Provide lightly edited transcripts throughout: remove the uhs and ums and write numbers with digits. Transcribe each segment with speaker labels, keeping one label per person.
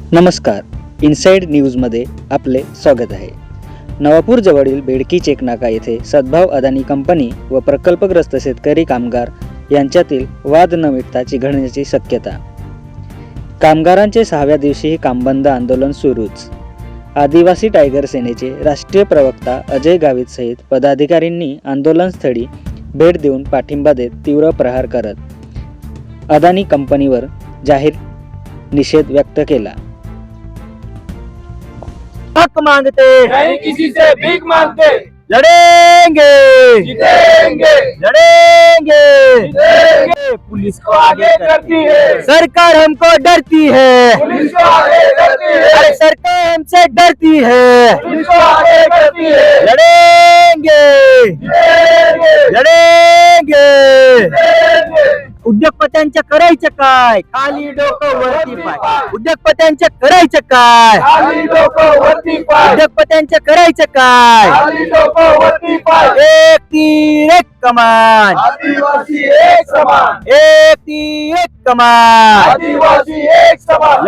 Speaker 1: नमस्कार, इनसाइड न्यूजमध्ये आपले स्वागत आहे. नवापूर जवळील बेडकी चेकनाका येथे सद्भाव अदानी कंपनी व प्रकल्पग्रस्त शेतकरी कामगार यांच्यातील वाद न मिटता चिघळण्याची शक्यता. कामगारांचे 6व्या दिवशीही कामबंद आंदोलन सुरूच. आदिवासी टायगर सेनेचे राष्ट्रीय प्रवक्ता अजय गावित सहित पदाधिकाऱ्यांनी आंदोलनस्थळी भेट देऊन पाठिंबा देत तीव्र प्रहार करत अदानी कंपनीवर जाहीर निषेध व्यक्त केला.
Speaker 2: हक मांगते
Speaker 3: नहीं किसी से भीख मांगते,
Speaker 2: लड़ेंगे
Speaker 3: जीतेंगे
Speaker 2: लड़ेंगे
Speaker 3: जीतेंगे।
Speaker 2: पुलिस को
Speaker 3: आगे करती है,
Speaker 2: सरकार हमको डरती है,
Speaker 3: पुलिस को आगे करती है,
Speaker 2: अरे सरकार हमसे डरती है.
Speaker 3: पुलिस को आगे करती है,
Speaker 2: लड़ेंगे
Speaker 3: जीतेंगे
Speaker 2: लड़ेंगे.
Speaker 3: जीतेंगे।
Speaker 2: उद्योगपत्यांचं करायचं काय? खाली डोकं वरती पाय. उद्योगपत्यांचं करायचं काय?
Speaker 3: खाली डोकं वरती पाय,
Speaker 2: उद्योगपत्यांचं करायचं काय?
Speaker 3: खाली डोकं वरती पाय।
Speaker 2: एक तीर एक कमान,
Speaker 3: आदिवासी एक समान,
Speaker 2: एक तीर एक कमान.
Speaker 3: आदिवासी एक समान,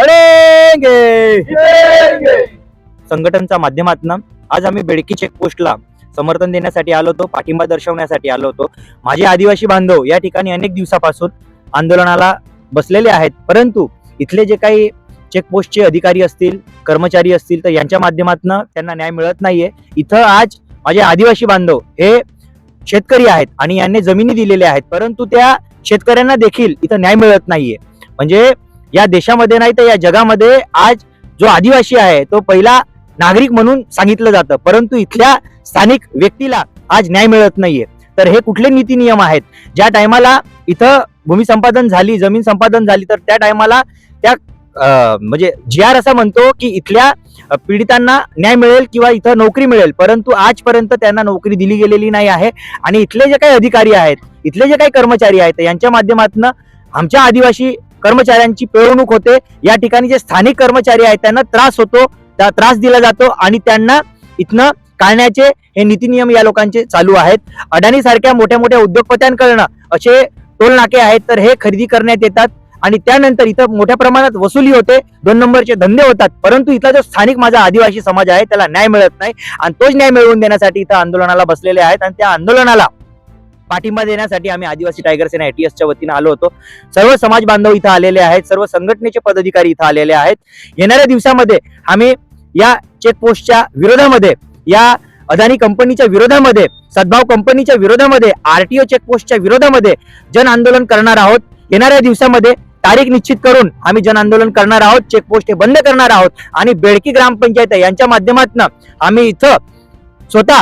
Speaker 2: लढेंगे.
Speaker 3: जीतेंगे।
Speaker 2: संघटनेच्या माध्यमातून आज आम्ही बेडकी चेकपोस्टला समर्थन देण्यासाठी आलो होतो, पाठिंबा दर्शवण्यासाठी आलो होतो. माझे आदिवासी बांधव या ठिकाणी अनेक दिवसापासून आंदोलनाला बसलेले आहेत, परंतु इथले जे काही चेकपोस्टचे अधिकारी असतील, कर्मचारी असतील, तर यांच्या माध्यमातून त्यांना न्याय मिळत नाहीये. इथं आज माझे आदिवासी बांधव हे शेतकरी आहेत आणि यांनी जमिनी दिलेल्या आहेत, परंतु त्या शेतकऱ्यांना देखील इथं न्याय मिळत नाहीये. म्हणजे या देशामध्ये नाही तर या जगामध्ये आज जो आदिवासी आहे तो पहिला नागरिक म्हणून सांगितलं जातं, परंतु इथल्या स्थानिक व्यक्तीला आज न्याय मिळत नाहीये. तर हे कुठले नीती नियम आहेत? ज्या टायमाला इथं भूमी संपादन झाली, जमीन संपादन झाली, तर त्या टायमाला त्या म्हणजे GR असा म्हणतो की इथल्या पीडितांना न्याय मिळेल किंवा इथं नोकरी मिळेल, परंतु आजपर्यंत त्यांना नोकरी दिली गेलेली नाही आहे. आणि इथले जे काही अधिकारी आहेत, इथले जे काही कर्मचारी आहेत, यांच्या माध्यमातून आमच्या आदिवासी कर्मचाऱ्यांची पिळवणूक होते. या ठिकाणी जे स्थानिक कर्मचारी आहेत त्यांना त्रास होतो, त्या त्रास दिला जातो आणि त्यांना इथनं काढण्याचे हे नीती नियम या लोकांचे चालू आहेत. अडाणी सारख्या मोठ्या मोठ्या उद्योगपत्यांकडनं असे टोल नाके आहेत, तर हे खरेदी करण्यात येतात आणि त्यानंतर इथं मोठ्या प्रमाणात वसुली होते, 2 नंबरचे धंदे होतात, परंतु इथला जो स्थानिक माझा आदिवासी समाज आहे त्याला न्याय मिळत नाही. आणि तोच न्याय मिळवून देण्यासाठी इथं आंदोलनाला बसलेले आहेत आणि त्या आंदोलनाला पाठिंबा देण्यासाठी आम्ही आदिवासी टायगर सेना ATSच्या वतीने आलो होतो. सर्व समाज बांधव इथं आलेले आहेत, सर्व संघटनेचे पदाधिकारी इथं आलेले आहेत. येणाऱ्या दिवसामध्ये आम्ही या चेकपोस्टच्या विरोधामध्ये, या अदानी कंपनीच्या विरोधामध्ये, सद्भाव कंपनीच्या विरोधामध्ये, RTO चेकपोस्टच्या विरोधामध्ये जन आंदोलन करणार आहोत. येणाऱ्या दिवसामध्ये तारीख निश्चित करून आम्ही जन आंदोलन करणार आहोत. चेकपोस्ट हे बंद करणार आहोत आणि बेडकी ग्रामपंचायत यांच्या माध्यमातून आम्ही इथं स्वतः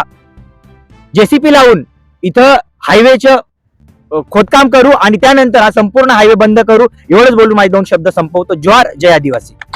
Speaker 2: JCP लावून इथं हायवेचं खोदकाम करू आणि त्यानंतर हा संपूर्ण हायवे बंद करू. एवढंच बोलून माझे 2 शब्द संपवतो. जोहार, जय आदिवासी.